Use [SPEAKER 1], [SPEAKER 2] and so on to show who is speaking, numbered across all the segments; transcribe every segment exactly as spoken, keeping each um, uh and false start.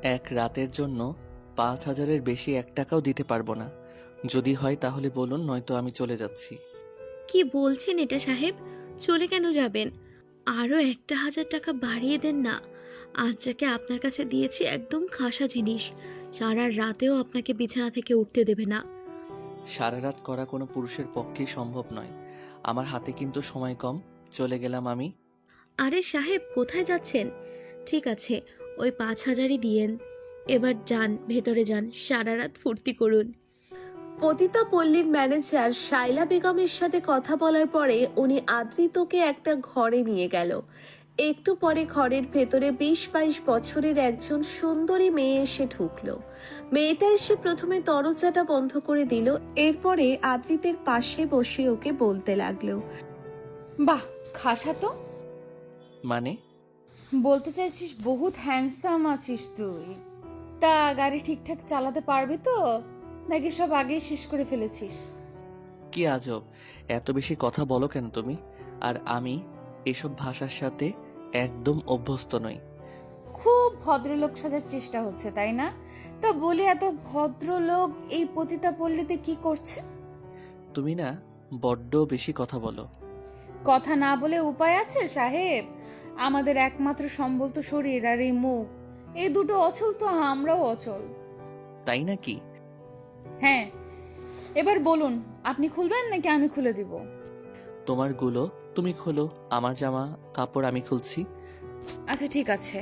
[SPEAKER 1] এক রাতের জন্য পাঁচ হাজারের বেশি এক টাকাও দিতে পারবো না। যদি হয় তাহলে বলুন, নয়তো আমি চলে যাচ্ছি।
[SPEAKER 2] কি বলছেন এটা সাহেব? চলে কেন যাবেন? আরও একটা হাজার টাকা বাড়িয়ে দেন না। আজ যাকে আপনার কাছে দিয়েছি একদম খাসা জিনিস, সারা রাতেও আপনাকে বিছানা থেকে উঠতে দেবে না।
[SPEAKER 1] সারা রাত করা কোনো পুরুষের পক্ষেই সম্ভব নয়। আমার হাতে কিন্তু সময় কম। চলে গেলাম আমি।
[SPEAKER 2] আরে সাহেব, কোথায় যাচ্ছেন? ঠিক আছে, ওই পাঁচ হাজারই দিয়েন। এবার যান, ভেতরে যান, সারা রাত ফুর্তি করুন।
[SPEAKER 3] পতিতা পল্লীর ম্যানেজার শাইলা বেগমের সাথে কথা বলার পরে উনি আদ্রিতকে একটা ঘরে নিয়ে গেল। একটু পরে ঘরের ভেতরে বিশ বাইশ বছরের একজন সুন্দরী মেয়ে এসে ঢুকলো। মেয়েটা এসে প্রথমে দরজাটা বন্ধ করে দিল, এরপরে আদ্রিতের পাশে বসে ওকে বলতে লাগলো।
[SPEAKER 4] বাহ, খাসা তো।
[SPEAKER 1] মানে?
[SPEAKER 4] বলতে চাইছিস বহুত হ্যান্ডসাম আছিস তুই। তা গাড়ি ঠিকঠাক চালাতে পারবি তো, নাকি সব আগেই শেষ করে ফেলেছিস?
[SPEAKER 1] কি আজব, এত বেশি কথা বলো কেন তুমি? আর আমি এসব ভাষার সাথে একদম অভ্যস্ত নই।
[SPEAKER 4] খুব ভদ্রলোক সাজার চেষ্টা হচ্ছে, তাই না? তা বলি, এত ভদ্রলোক এই পতিতা পল্লীতে কি করছে?
[SPEAKER 1] তুমি না বড্ড বেশি কথা বলো।
[SPEAKER 4] কথা না বলে উপায় আছে সাহেব? আমাদের একমাত্র সম্বল তো শরীর আর এই মুখ। এই দুটো অচল তো আমরাও অচল।
[SPEAKER 1] তাই নাকি?
[SPEAKER 4] হ্যাঁ, এবার বলুন, আপনি খুলবেন নাকি আমি খুলে দিব?
[SPEAKER 1] তোমার গুলো তুমি খোলো, আমার জামা কাপড় আমি খুলছি।
[SPEAKER 4] আচ্ছা ঠিক আছে।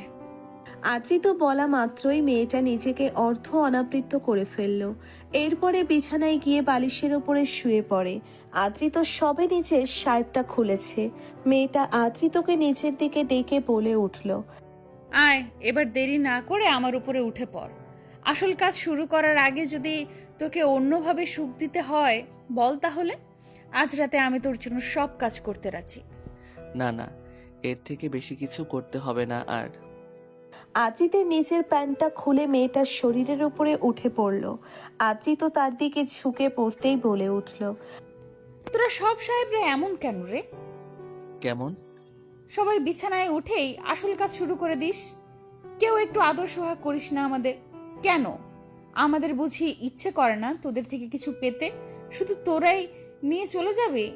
[SPEAKER 3] আদ্রিত বলা মাত্রই মেয়েটা নিজেকে অর্ধ অনাবৃত করে ফেলল। এরপরে বিছানায় গিয়ে বালিশের ওপরে শুয়ে পড়ে। আদ্রিত সবে নিজের শার্টটা খুলেছে। মেয়েটা আদ্রিতকে নিচের দিকে ডেকে বলে উঠল।
[SPEAKER 4] আয়, এবার দেরি না করে আমার উপরে উঠে পড়। আসল কাজ শুরু করার আগে যদি তোকে অন্যভাবে সুখ দিতে হয় বল, তাহলে আজ রাতে আমি তোর জন্য সব কাজ করতে রাজি।
[SPEAKER 1] না না, এর থেকে বেশি কিছু করতে হবে না আর।
[SPEAKER 3] আদ্রিতের নিচের প্যান্টটা খুলে মেয়েটার শরীরের উপরে উঠে পড়ল। আদ্রিত তার দিকে ঝুঁকে পড়তেই বলে উঠল।
[SPEAKER 4] তোরা সব সাহেবরা এমন কেন রে?
[SPEAKER 1] কেমন?
[SPEAKER 4] সবাই বিছানায় উঠেই আসল কাজ শুরু করে দিস। কেউ একটু আদর সোহাগ করিস না আমাদের? কেন? আমাদের বুঝি ইচ্ছে করে না তোদের থেকে কিছু পেতে? শুধু তোরাই নিয়ে চলে যাবে?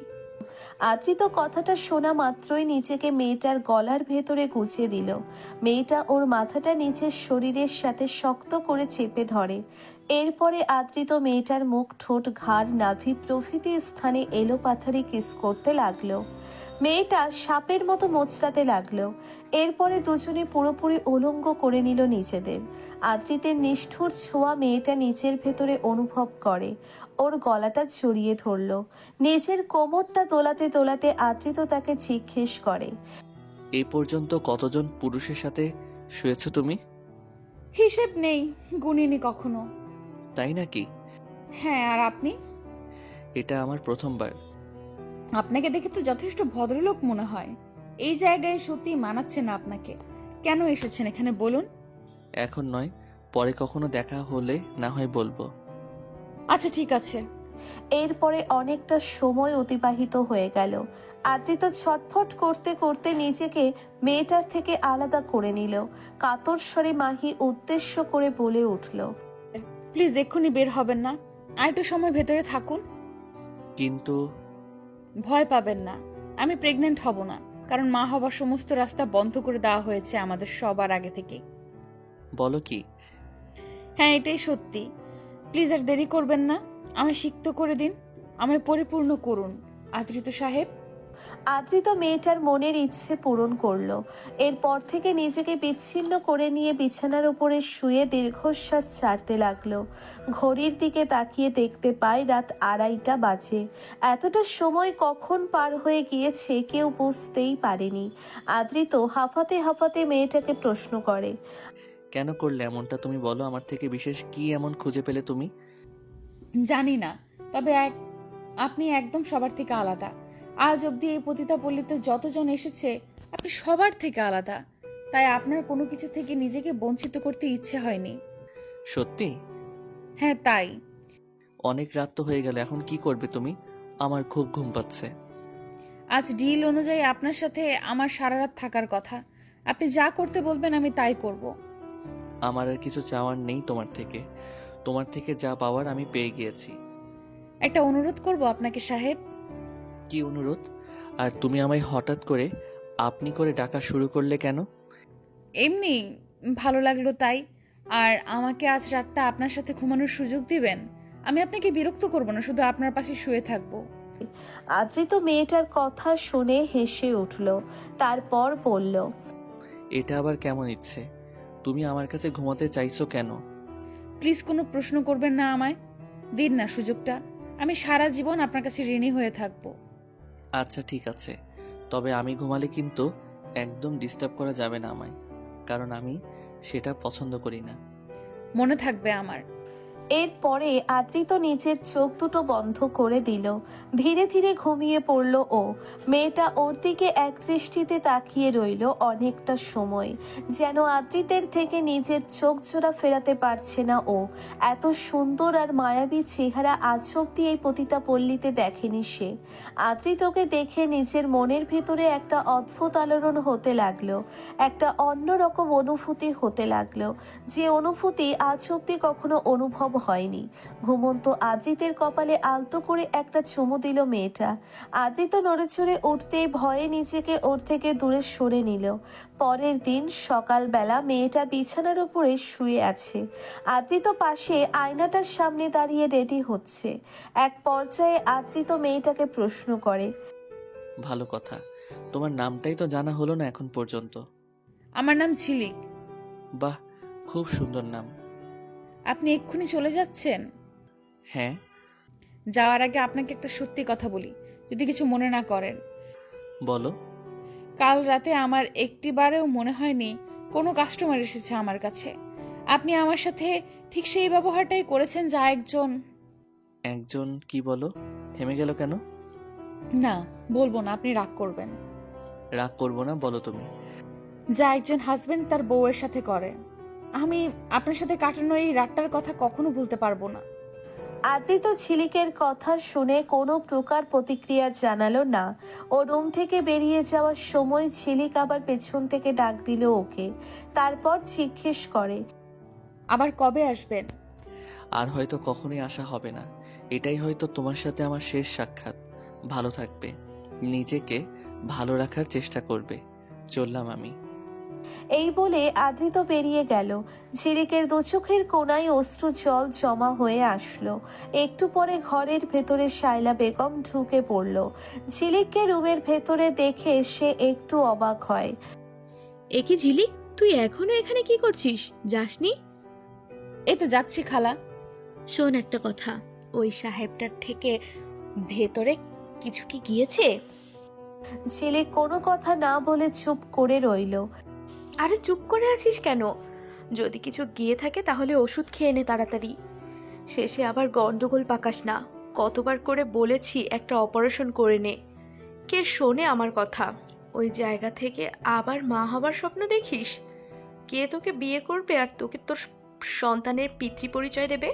[SPEAKER 3] আদ্রিত কথাটা শোনা মাত্রই নিজেকে মেয়েটার গলার ভেতরে গুছিয়ে দিল। মেয়েটা ওর মাথাটা নিচের শরীরের সাথে শক্ত করে চেপে ধরে। এরপরে আদ্রিত মেয়েটার মুখ, ঠোঁট, ঘাড়, নাভি প্রভৃতি স্থানে এলোপাথারি কিস করতে লাগলো। মেয়েটা সাপের মতো মোচড়াতে লাগলো। এরপরে দুজনে পুরোপুরি উলঙ্গ করে নিল নিজেদের। আদ্রিতের নিষ্ঠুর ছোঁয়া মেয়েটা নিচের ভেতরে অনুভব করে। ওর গলাটা জড়িয়ে ধরল। নিজের কোমরটা দোলাতে দোলাতে আদ্রিত তাকে জিজ্ঞেস করে।
[SPEAKER 1] এই পর্যন্ত কতজন পুরুষের সাথে শুয়েছ তুমি?
[SPEAKER 4] হিসেব নেই, গুনিনি কখনো।
[SPEAKER 1] তাই নাকি?
[SPEAKER 4] হ্যাঁ, আর আপনি?
[SPEAKER 1] এটা আমার প্রথমবার।
[SPEAKER 4] আপনাকে দেখে তো যথেষ্ট ভদ্রলোক মনে হয়। এই জায়গায় সত্যি মানাচ্ছে না আপনাকে। কেন এসেছেন এখানে বলুন?
[SPEAKER 1] এখন নয়, পরে কখনো দেখা হলে না হয় বলবো।
[SPEAKER 4] আচ্ছা ঠিক আছে।
[SPEAKER 3] এরপরে অনেকটা সময় অতিবাহিত হয়ে গেল। আদ্রিত ছটফট করতে করতে নিজেকে মেয়েটার থেকে আলাদা করে নিল। কাতর স্বরে মাহি উদ্দেশ্য করে বলে উঠল।
[SPEAKER 4] প্লিজ এক্ষুনি বের হবেন না, আর একটু সময় ভেতরে থাকুন।
[SPEAKER 1] কিন্তু
[SPEAKER 4] ভয় পাবেন না, আমি প্রেগনেন্ট হব না, কারণ মা হবার সমস্ত রাস্তা বন্ধ করে দেওয়া হয়েছে আমাদের সবার আগে থেকে।
[SPEAKER 1] বলো কি?
[SPEAKER 4] হ্যাঁ, এটাই সত্যি। প্লিজ আর দেরি করবেন না, আমায় সিক্ত করে দিন, আমায় পরিপূর্ণ করুন আদ্রিত সাহেব।
[SPEAKER 3] আদ্রিত মেয়েটার মনের ইচ্ছে পূরণ করলো। এরপর থেকে নিজেকে বিচ্ছিন্ন করে নিয়ে বিছানার উপরে শুয়ে দীর্ঘশ্বাস ছাড়তে লাগলো। ঘড়ির দিকে তাকিয়ে দেখতে পায় রাত আড়াইটা বাজে। এতটা সময় কখন পার হয়ে গিয়েছে কেউ বুঝতেই পারেনি। আদ্রিত হাঁফাতে হাঁফাতে মেয়েটাকে প্রশ্ন করে।
[SPEAKER 1] কেন করলে এমনটা তুমি বলো? আমার থেকে বিশেষ কি এমন খুঁজে পেলে তুমি?
[SPEAKER 4] জানি না, তবে এক আপনি একদম সবার থেকে আলাদা। আজ অবধি এই পতিতা পল্লীতে যতজন এসেছে আপনি সবার থেকে আলাদা। তাই আপনার কোনো কিছু থেকে নিজেকে বঞ্চিত করতে ইচ্ছে হয়নি।
[SPEAKER 1] সত্যি?
[SPEAKER 4] হ্যাঁ তাই।
[SPEAKER 1] অনেক রাত তো হয়ে গেল, এখন কি করবে তুমি? আমার খুব ঘুম পাচ্ছে।
[SPEAKER 4] আজ ডিল অনুযায়ী আপনার সাথে আমার সারা রাত থাকার কথা। আপনি যা করতে বলবেন আমি তাই করব।
[SPEAKER 1] আমার আর কিছু চাওয়ার নেই তোমার থেকে। তোমার থেকে যা পাওয়ার আমি পেয়ে গিয়েছি।
[SPEAKER 4] একটা অনুরোধ করব আপনাকে সাহেব।
[SPEAKER 1] কি অনুরোধ? আর তুমি আমায় হঠাৎ করে আপনি করে ডাকা শুরু করলে কেন?
[SPEAKER 4] এমনি ভালো লাগলো তাই। আর আমাকে আজ রাতটা আপনার সাথে ঘুমানোর সুযোগ দিবেন? আমি আপনাকে বিরক্ত করব না, শুধু আপনার পাশে শুয়ে থাকবো।
[SPEAKER 3] আদ্রিত মেয়েটার কথা শুনে হেসে উঠল, তারপর বলল,
[SPEAKER 1] এটা আবার কেমন ইচ্ছে? তুমি আমার কাছে ঘুমাতে চাইছো কেন?
[SPEAKER 4] প্লিজ কোনো প্রশ্ন করবেন না আমায়। দিন না সুযোগটা, আমি সারা জীবন আপনার কাছে ঋণী হয়ে থাকবো।
[SPEAKER 1] আচ্ছা ঠিক আছে, তবে আমি ঘুমালে কিন্তু একদম ডিস্টার্ব করা যাবে না আমায়, কারণ আমি সেটা পছন্দ করি না।
[SPEAKER 4] মনে থাকবে আমার।
[SPEAKER 3] এরপরে আদ্রিত নিজের চোখ দুটো বন্ধ করে দিল। ধীরে ধীরে ঘুমিয়ে পড়ল ও। মেয়েটা ওর দিকে এক দৃষ্টিতে তাকিয়ে রইল অনেকটা সময়, যেন আদ্রিতের থেকে নিজের চোখ জোড়া ফেরাতে পারছে না ও। এত সুন্দর আর মায়াবী চেহারা আজ অব্দি এই পতিতা পল্লীতে দেখেনি সে। আদ্রিতকে দেখে নিজের মনের ভেতরে একটা অদ্ভুত আলোড়ন হতে লাগলো, একটা অন্যরকম অনুভূতি হতে লাগলো, যে অনুভূতি আজ অব্দি কখনো অনুভব হয়নি। ঘুমন্ত আদ্রিতের কপালে আলতো করে একটা চুমু দিল মেয়েটা। আদ্রিত নড়েচড়ে উঠতেই ভয়ে নিজেকে ওর থেকে দূরে সরে নিল। পরের দিন সকালবেলা মেয়েটা বিছানার উপরে শুয়ে আছে। আদ্রিত পাশে আয়নাটার সামনে দাঁড়িয়ে রেডি হচ্ছে। এক পর্যায়ে আদ্রিত মেয়েটাকে প্রশ্ন করে,
[SPEAKER 1] ভালো কথা, তোমার নামটাই তো জানা হলো না এখন পর্যন্ত।
[SPEAKER 4] আমার নাম ঝিলিক।
[SPEAKER 1] বাহ, খুব সুন্দর নাম।
[SPEAKER 4] আপনি এক্ষুনি চলে যাচ্ছেন?
[SPEAKER 1] হ্যাঁ।
[SPEAKER 4] যাওয়ার আগে আপনাকে একটা সত্যি কথা বলি, যদি কিছু মনে না করেন।
[SPEAKER 1] বলো।
[SPEAKER 4] কাল রাতে আমার একটিবারেও মনে হয়নি কোনো কাস্টমার এসেছে আমার কাছে। আপনি আমার সাথে ঠিক সেই ব্যবহারটাই করেছেন যা একজন
[SPEAKER 1] একজন কি বলো? থেমে গেল কেন?
[SPEAKER 4] না বলবো না, আপনি রাগ করবেন।
[SPEAKER 1] রাগ করবো না, বলো তুমি।
[SPEAKER 4] যা একজন হাজবেন্ড তার বউয়ের সাথে করে। আমি আপনার সাথে কাটানো এই রাতটার কথা কখনো ভুলতে পারবো না।
[SPEAKER 3] আদ্রিত ঝিলিকের কথা শুনে কোনো প্রকার প্রতিক্রিয়া জানালো না। ও রুম থেকে বেরিয়ে যাওয়ার সময় ঝিলিক আবার পেছন থেকে ডাক দিল ওকে। তারপর জিজ্ঞেস করে,
[SPEAKER 4] আবার কবে আসবেন?
[SPEAKER 1] আর হয়তো কখনোই আসা হবে না। এটাই হয়তো তোমার সাথে আমার শেষ সাক্ষাৎ। ভালো থাকবে, নিজেকে ভালো রাখার চেষ্টা করবে। চললাম আমি।
[SPEAKER 3] এই বলে আদ্রিত বেরিয়ে গেল। ঝিলিকের দু চোখের কোনায় অশ্রু জল জমা হয়ে আসলো। একটু পরে ঘরের ভেতরে শায়লা বেগম ঢুকে পড়ল। ঝিলিককে রুমের ভেতরে দেখে সে একটু অবাক হয়।
[SPEAKER 2] এ কি ঝিলিক, তুই এখনো এখানে কি করছিস? যাসনি?
[SPEAKER 4] এই তো যাচ্ছি খালা।
[SPEAKER 2] শোন একটা কথা, ওই সাহেবটার থেকে ভেতরে কিছু কি গিয়েছে?
[SPEAKER 3] ঝিলিক কোনো কথা না বলে চুপ করে রইল।
[SPEAKER 2] আরে চুপ করে আছিস কেন? যদি কিছু গিয়ে থাকে তাহলে ওষুধ খেয়ে নে তাড়াতাড়ি। শেষে আবার গন্ডগোল পাকাস না। কতবার করে বলেছি একটা অপারেশন করে নে। কে শোনে আমার কথা? ওই জায়গা থেকে আবার মা হবার স্বপ্ন দেখিস? কে তোকে বিয়ে করবে আর তোকে তোর সন্তানের পিতৃ পরিচয় দেবে?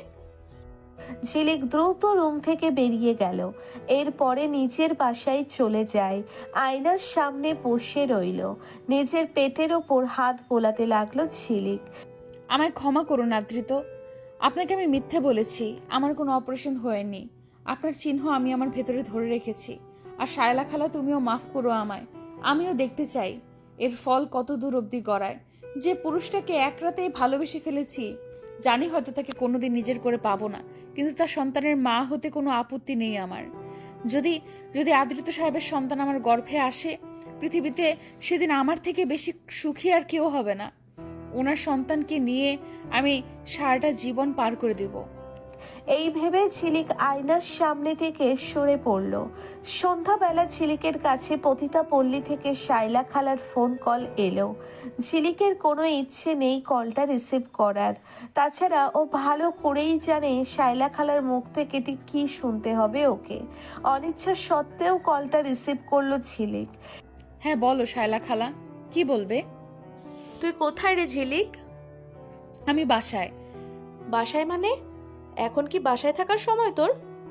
[SPEAKER 3] ঝিলিক দ্রুত রুম থেকে বেরিয়ে গেল। এরপরে নিজের বাসায় চলে যায়। আয়নার সামনে বসে রইল। নিজের পেটের ওপর হাত বোলাতে লাগলো ঝিলিক।
[SPEAKER 4] আমায় ক্ষমা করুন আদ্রিত, আপনাকে আমি মিথ্যে বলেছি। আমার কোনো অপারেশন হয়নি। আপনার চিহ্ন আমি আমার ভেতরে ধরে রেখেছি। আর শায়লা খালা, তুমিও মাফ করো আমায়। আমিও দেখতে চাই এর ফল কত দূর অবধি গড়ায়। যে পুরুষটাকে এক রাতেই ভালোবেসে ফেলেছি, জানি হয়তো তাকে কোনোদিন নিজের করে পাবো না, কিন্তু তার সন্তানের মা হতে কোনো আপত্তি নেই আমার। যদি যদি আদ্রিত সাহেবের সন্তান আমার গর্ভে আসে, পৃথিবীতে সেদিন আমার থেকে বেশি সুখী আর কেউ হবে না। ওনার সন্তানকে নিয়ে আমি সারাটা জীবন পার করে দেব।
[SPEAKER 3] এই ভেবে ঝিলিক আয়নার সামনে থেকে সরে পড়ল। সন্ধ্যাবেলা ঝিলিকের কাছে পতিতা পল্লী থেকে শায়লা খালার ফোন কল এলো। ঝিলিকের কোনো ইচ্ছে নেই কলটা রিসিভ করার। তাছাড়া ও ভালো করেই জানে শায়লা খালার মুখ থেকে ঠিক কী শুনতে হবে ওকে। অনিচ্ছা সত্ত্বেও কলটা রিসিভ করলো ঝিলিক।
[SPEAKER 4] হ্যাঁ বলো শায়লা খালা, কি বলবে?
[SPEAKER 2] তুই কোথায় রে ঝিলিক?
[SPEAKER 4] আমি বাসায়।
[SPEAKER 2] বাসায় মানে? এখন কি বাসায় থাকার সময় তোর?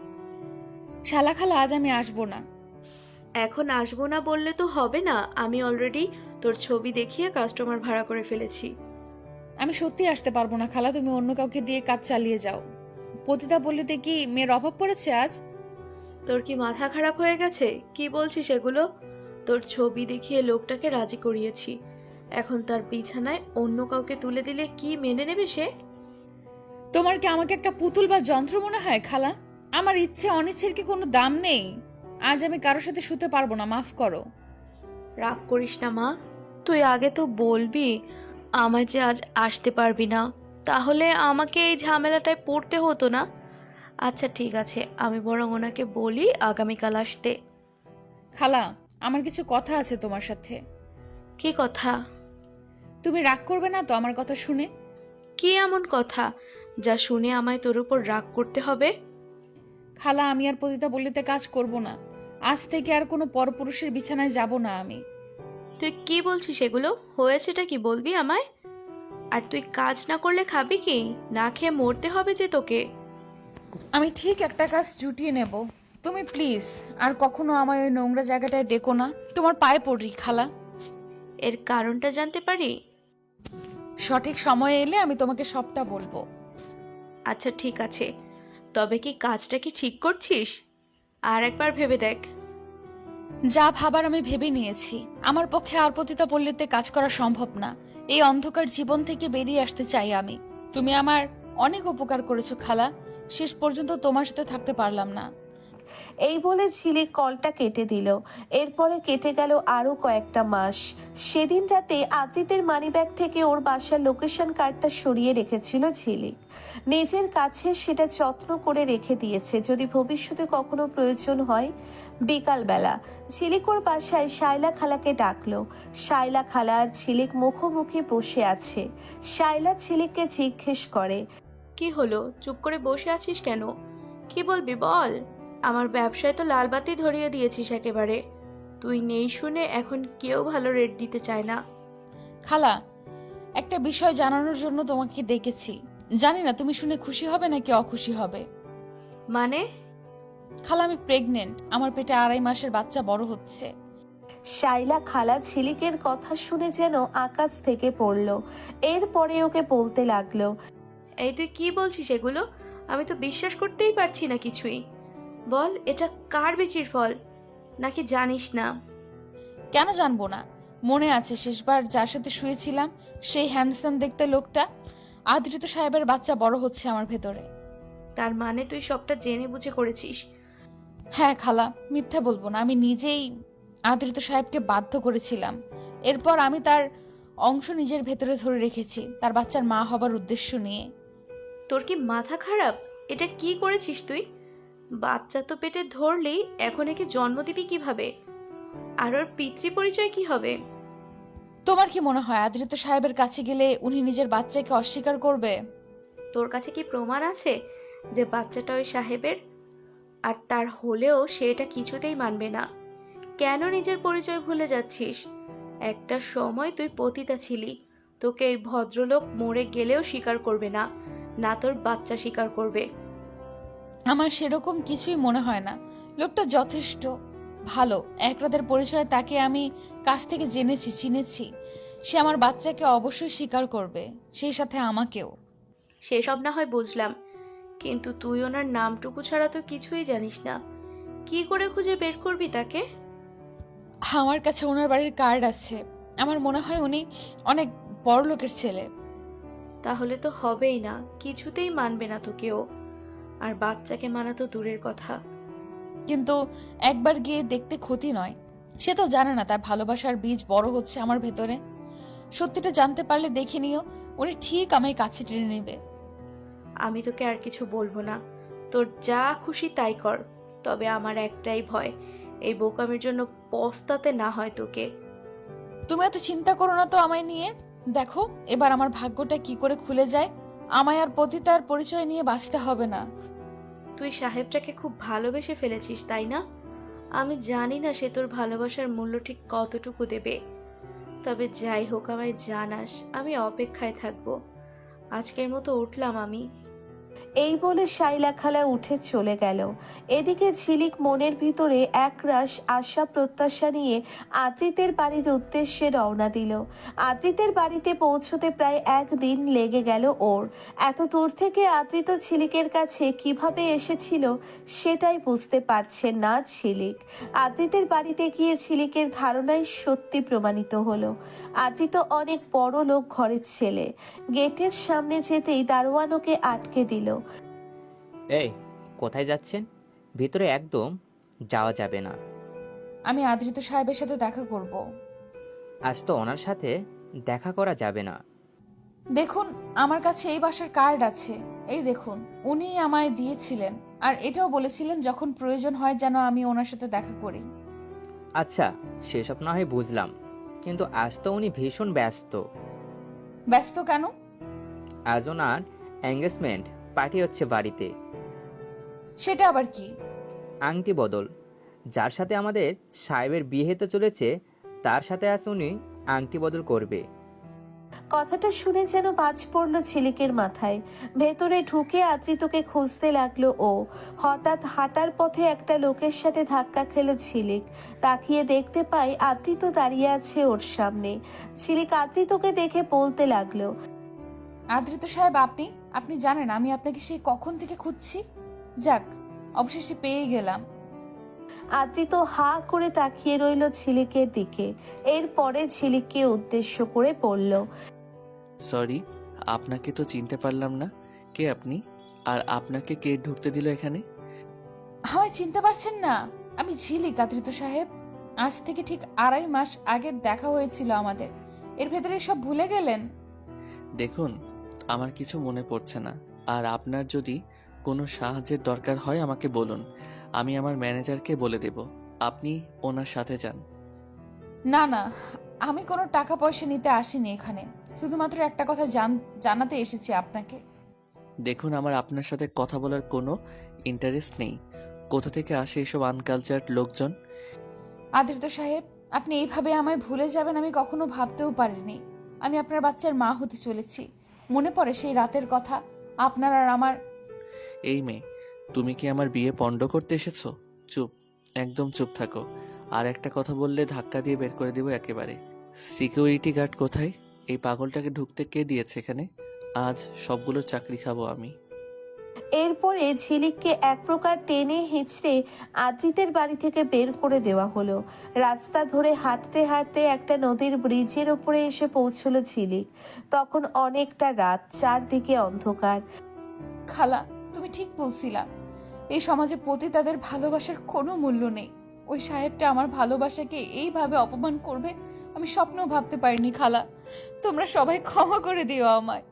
[SPEAKER 4] শালা খালা, আজ আমি আসবো না।
[SPEAKER 2] এখন আসবো না বললে তো হবে না। আমি অলরেডি তোর ছবি দেখিয়ে কাস্টমার ভাড়া করে ফেলেছি।
[SPEAKER 4] আমি সত্যি আসতে পারবো না খালা, তুমি অন্য কাউকে দিয়ে কাজ চালিয়ে যাও। পতিতা বললিতে কি মেয়ের অভাব পড়েছে আজ?
[SPEAKER 2] তোর কি মাথা খারাপ হয়ে গেছে? কি বলছিস এগুলো? তোর ছবি দেখিয়ে লোকটাকে রাজি করিয়েছি, এখন তার বিছানায় অন্য কাউকে তুলে দিলে কি মেনে নেবে সে?
[SPEAKER 4] তোমার কি আমাকে একটা পুতুল বা যন্ত্র মনে হয় খালা? আমার ইচ্ছে অনিচ্ছের কি কোনো দাম নেই? আজ আমি কারোর সাথে শুতে পারবো না, মাফ করো।
[SPEAKER 2] রাগ করিস না মা, তুই আগে তো বলবি আমায় যে আজ আসতে পারবি না, তাহলে আমাকে এই ঝামেলাটায় পড়তে হতো না। আচ্ছা ঠিক আছে, আমি বরং ওনাকে বলি আগামীকাল আসতে।
[SPEAKER 4] খালা, আমার কিছু কথা আছে তোমার সাথে।
[SPEAKER 2] কি কথা?
[SPEAKER 4] তুমি রাগ করবে না তো আমার কথা শুনে?
[SPEAKER 2] কি এমন কথা যা শুনে আমায় তোর উপর রাগ করতে হবে?
[SPEAKER 4] খালা, আমি আর পতিতা বললিতে কাজ করব না। আজ থেকে আর কোনো পরপুরুষের বিছানায় যাব না আমি।
[SPEAKER 2] তুই কি বলছিস এগুলো? হয়েছেটা কি বলবি আমায়? আর তুই কাজ না করলে খাবি কি? না খেয়ে মরতে হবে যে তোকে।
[SPEAKER 4] আমি ঠিক একটা কাজ জুটিয়ে নেব। তুমি প্লিজ আর কখনো আমায় ওই নোংরা জায়গাটায় ডেকো না। তোমার পায়ে পড়ি খালা।
[SPEAKER 2] এর কারণটা জানতে পারি?
[SPEAKER 4] সঠিক সময়ে এলে আমি তোমাকে সবটা বলবো।
[SPEAKER 2] আচ্ছা ঠিক আছে, তবে কি কাজটা কি ঠিক করছিস? আর একবার ভেবে দেখ।
[SPEAKER 4] যা ভাবার আমি ভেবে নিয়েছি। আমার পক্ষে আর পতিতা পল্লীতে কাজ করা সম্ভব না। এই অন্ধকার জীবন থেকে বেরিয়ে আসতে চাই আমি। তুমি আমার অনেক উপকার করেছো খালা, শেষ পর্যন্ত তোমার সাথে থাকতে পারলাম না।
[SPEAKER 3] এই বলে ঝিলিক কলটা কেটে দিল। এরপরে কেটে গেল আরো কয়েকটা মাস। সেদিন রাতে আদ্রিতের মানিব্যাগ থেকে ওর বাসার লোকেশন কার্ডটা সরিয়ে রেখেছিল ঝিলিক। নিজের কাছে সেটা যত্ন করে রেখে দিয়েছে, যদি ভবিষ্যতে কখনো প্রয়োজন হয়। বিকালবেলা ঝিলিক ওর বাসায় শায়লা খালাকে ডাকলো। শায়লা খালা আর ঝিলিক মুখোমুখি বসে আছে। শায়লা ঝিলিককে জিজ্ঞেস করে,
[SPEAKER 2] কি হলো, চুপ করে বসে আছিস কেন? কি বলবি বল। আমার ব্যবসায় তো লালবাতি ধরিয়ে দিয়েছিস একেবারে। তুই নেই শুনে এখন কেউ ভালো রেট দিতে চায় না।
[SPEAKER 4] খালা, একটা বিষয় জানানোর জন্য তোমাকে ডেকেছি। জানি না তুমি শুনে খুশি হবে নাকি অখুশি হবে।
[SPEAKER 2] মানে?
[SPEAKER 4] খালা, আমি প্রেগনেন্ট। আমার পেটে আড়াই মাসের বাচ্চা বড় হচ্ছে।
[SPEAKER 3] শাইলা খালা ঝিলিকের কথা শুনে যেন আকাশ থেকে পড়ল। এরপরে ওকে বলতে লাগলো,
[SPEAKER 2] এই তুই কি বলছিস এগুলো? আমি তো বিশ্বাস করতেই পারছি না কিছুই। বল, এটা কার বিচির ফল, নাকি জানিস না?
[SPEAKER 4] কেন জানবো না? মনে আছে শেষবার যার সাথে শুয়েছিলাম, সেই হ্যান্ডসাম দেখতে লোকটা? আদৃত সাহেবের বাচ্চা বড় হচ্ছে আমার ভেতরে।
[SPEAKER 2] তার মানে তুই সবটা জেনে বুঝে করেছিস?
[SPEAKER 4] হ্যাঁ খালা, মিথ্যা বলবো না, আমি নিজেই আদৃত সাহেবকে বাধ্য করেছিলাম। এরপর আমি তার অংশ নিজের ভেতরে ধরে রেখেছি, তার বাচ্চার মা হবার উদ্দেশ্য নিয়ে।
[SPEAKER 2] তোর কি মাথা খারাপ? এটা কি করেছিস তুই? বাচ্চা তো পেটে ধরলেই এখন একে জন্ম দিবি কিভাবে? আর ওর পিতৃ পরিচয় কি হবে?
[SPEAKER 4] তোমার কি মনে হয় আদৃত সাহেবের কাছে গেলে উনি নিজের বাচ্চাকে অস্বীকার করবে?
[SPEAKER 2] তোর কাছে কি প্রমাণ আছে যে বাচ্চাটা ওই সাহেবের? আর তার হলেও সে এটা কিছুতেই মানবে না। কেন নিজের পরিচয় ভুলে যাচ্ছিস? একটা সময় তুই পতিতা ছিলি। তোকে এই ভদ্রলোক মরে গেলেও স্বীকার করবে না, না তোর বাচ্চা স্বীকার করবে।
[SPEAKER 4] আমার সেরকম কিছুই মনে হয় না। লোকটা যথেষ্ট ভালো। এক রাতের পরিচয়ে তাকে আমি কাছ থেকে জেনেছি, চিনেছি। সে আমার বাচ্চাকে অবশ্যই স্বীকার করবে, সেই সাথে আমাকেও।
[SPEAKER 2] সেসব না হয় বুঝলাম, কিন্তু তুই ওনার নামটুকু ছাড়া তো কিছুই জানিস না। কি করে খুঁজে বের করবি তাকে?
[SPEAKER 4] আমার কাছে ওনার বাড়ির কার্ড আছে। আমার মনে হয় উনি অনেক বড় লোকের ছেলে।
[SPEAKER 2] তাহলে তো হবেই না, কিছুতেই মানবে না তোকেও। আর বাচ্চাকে মানা তো দূরের কথা।
[SPEAKER 4] কিন্তু একবার গিয়ে দেখতে ক্ষতি নয়। সে তো জানে না তার ভালোবাসার বীজ বড় হচ্ছে আমার ভেতরে। সত্যিটা জানতে পারলে দেখে নিও, উনি ঠিক আমায় কাছে টেনে নেবে।
[SPEAKER 2] আমি তোকে আর কিছু বলবো না, তোর যা খুশি তাই কর। তবে আমার একটাই ভয়, এই বোকামির জন্য পস্তাতে না হয় তোকে।
[SPEAKER 4] তুমি এত চিন্তা করো না তো আমায় নিয়ে। দেখো এবার আমার ভাগ্যটা কি করে খুলে যায়। আমায় আর পতিতার পরিচয় নিয়ে বাঁচতে হবে না।
[SPEAKER 2] তুই সাহেবটাকে খুব ভালোবেসে ফেলেছিস, তাই না? আমি জানি না সে তোর ভালোবাসার মূল্য ঠিক কতটুকু দেবে। তবে যাই হোক, আমায় জানাস, আমি অপেক্ষায় থাকবো। আজকের মতো উঠলাম আমি।
[SPEAKER 3] এই বলে শাইলা খালা উঠে চলে গেল। এদিকে ঝিলিক মনের ভিতরে একরাশ আশা প্রত্যাশা নিয়ে আদ্রিতের বাড়ির উদ্দেশ্যে রওনা দিল। আদ্রিতের বাড়িতে পৌঁছতে প্রায় একদিন লেগে গেল ওর। এত দূর থেকে আদ্রিত ঝিলিকের কাছে কিভাবে এসেছিল সেটাই বুঝতে পারছে না ঝিলিক। আদ্রিতের বাড়িতে গিয়ে ঝিলিকের ধারণাই সত্যি প্রমাণিত হলো। আদ্রিত অনেক বড় লোক ঘরের ছেলে। গেটের সামনে যেতেই দারোয়ান ওকে আটকে দিল।
[SPEAKER 5] এই, কোথায় যাচ্ছেন? ভিতরে একদম যাওয়া যাবে না।
[SPEAKER 4] আমি আদ্রিত সাহেবের সাথে দেখা করব।
[SPEAKER 5] আজ তো ওনার সাথে দেখা করা যাবে না।
[SPEAKER 4] দেখুন, আমার কাছে এই বাসার কার্ড আছে, এই দেখুন, উনি আমায় দিয়েছিলেন। আর এটাও বলেছিলেন যখন প্রয়োজন হয় যেন আমি ওনার সাথে দেখা করি।
[SPEAKER 5] আচ্ছা, সেসব না হয় বুঝলাম, কিন্তু আজ তো উনি ভীষণ ব্যস্ত।
[SPEAKER 4] ব্যস্ত কেন?
[SPEAKER 5] আজ ওনার এঙ্গেজমেন্ট পার্টি হচ্ছে বাড়িতে।
[SPEAKER 4] সেটা আবার কি?
[SPEAKER 5] আংটি বদল। যার সাথে আমাদের সাহেবের বিয়ে হতে চলেছে তার সাথে আজ উনি আংটি বদল করবে।
[SPEAKER 3] কথাটা শুনে যেন বাজ পড়ল ঝিলিকের মাথায়। ভেতরে ঢুকে আদ্রিতকে খুঁজতে লাগলো ও। হঠাৎ হাঁটার পথে একটা লোকের সাথে ধাক্কা খেল ঝিলিক। তাকিয়ে দেখতে পায় আদ্রিত দাঁড়িয়ে আছে ওর সামনে। ঝিলিক আদ্রিতকে দেখে বলতে লাগলো,
[SPEAKER 4] আদ্রিত সাহেব, আপনি আপনি জানেন আমি আপনাকে সেই কখন থেকে খুঁজছি। যাক, অবশেষে পেয়ে গেলাম।
[SPEAKER 3] আদ্রিত হা করে তাকিয়ে রইল ঝিলিকের দিকে। এরপরে ঝিলিককে উদ্দেশ্য করে বলল,
[SPEAKER 1] সরি, আপনাকে তো চিনতে পারলাম না। কে আপনি? আর আপনাকে কে ঢুকতে দিল এখানে?
[SPEAKER 4] আমায় চিনতে পারছেন না? আমি ঝিলিক আদ্রিত সাহেব। আজ থেকে ঠিক আড়াই মাস আগে দেখা হয়েছিল আমাদের। এর ভেতরে সব ভুলে গেলেন?
[SPEAKER 1] দেখুন, আমার কিছু মনে পড়ছে না। আর আপনার যদি কোনো সাহায্যের দরকার হয় আমাকে বলুন, আমি আমার ম্যানেজারকে বলে দেব। আপনি ওনার সাথে যান।
[SPEAKER 4] না না, আমি কোনো টাকা পয়সা নিতে আসিনি এখানে। শুধুমাত্র একটা কথা জান- জানাতে এসেছি আপনাকে।
[SPEAKER 1] দেখুন, আমার আপনার সাথে কথা বলার কোনো ইন্টারেস্ট নেই। কোথা থেকে আসে এসব আনকালচার্ড লোকজন?
[SPEAKER 4] আদ্রিত সাহেব, আপনি এইভাবে আমায় ভুলে যাবেন আমি কখনো ভাবতেও পারিনি। আমি আপনার বাচ্চার মা হতে চলেছি। মনে পড়ে সেই রাতের কথা, আপনার আর আমার।
[SPEAKER 1] এই মেয়ে, তুমি কি আমার বিয়ে পণ্ড করতে এসেছো? চুপ, একদম চুপ থাকো। আর একটা কথা বললে ধাক্কা দিয়ে বের করে দেবো একেবারে। সিকিউরিটি গার্ড কোথায়? এই পাগলটাকে ঢুকতে কে দিয়েছে এখানে? আজ সবগুলো চাকরি খাবো আমি।
[SPEAKER 3] এরপরে ঝিলিককে এক প্রকার টেনে হিঁচড়ে আদ্রিতের বাড়ি থেকে বের করে দেওয়া হলো। রাস্তা ধরে হাঁটতে হাঁটতে একটা নদীর ব্রিজের ওপরে এসে পৌঁছলো ঝিলিক। তখন অনেকটা রাত, চারদিকে অন্ধকার।
[SPEAKER 4] খালা, তুমি ঠিক বলছিলা। এই সমাজে পতিতাদের ভালোবাসার কোনো মূল্য নেই। ওই সাহেবটা আমার ভালোবাসাকে এইভাবে অপমান করবে আমি স্বপ্নেও ভাবতে পারিনি। খালা, তোমরা সবাই ক্ষমা করে দিও আমায়।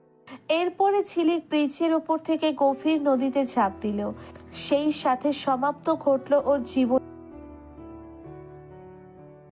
[SPEAKER 3] এরপরে ঝিলিক ব্রিজের ওপর থেকে গভীর নদীতে ঝাঁপ দিল। সেই সাথে সমাপ্ত ঘটল ওর জীবন।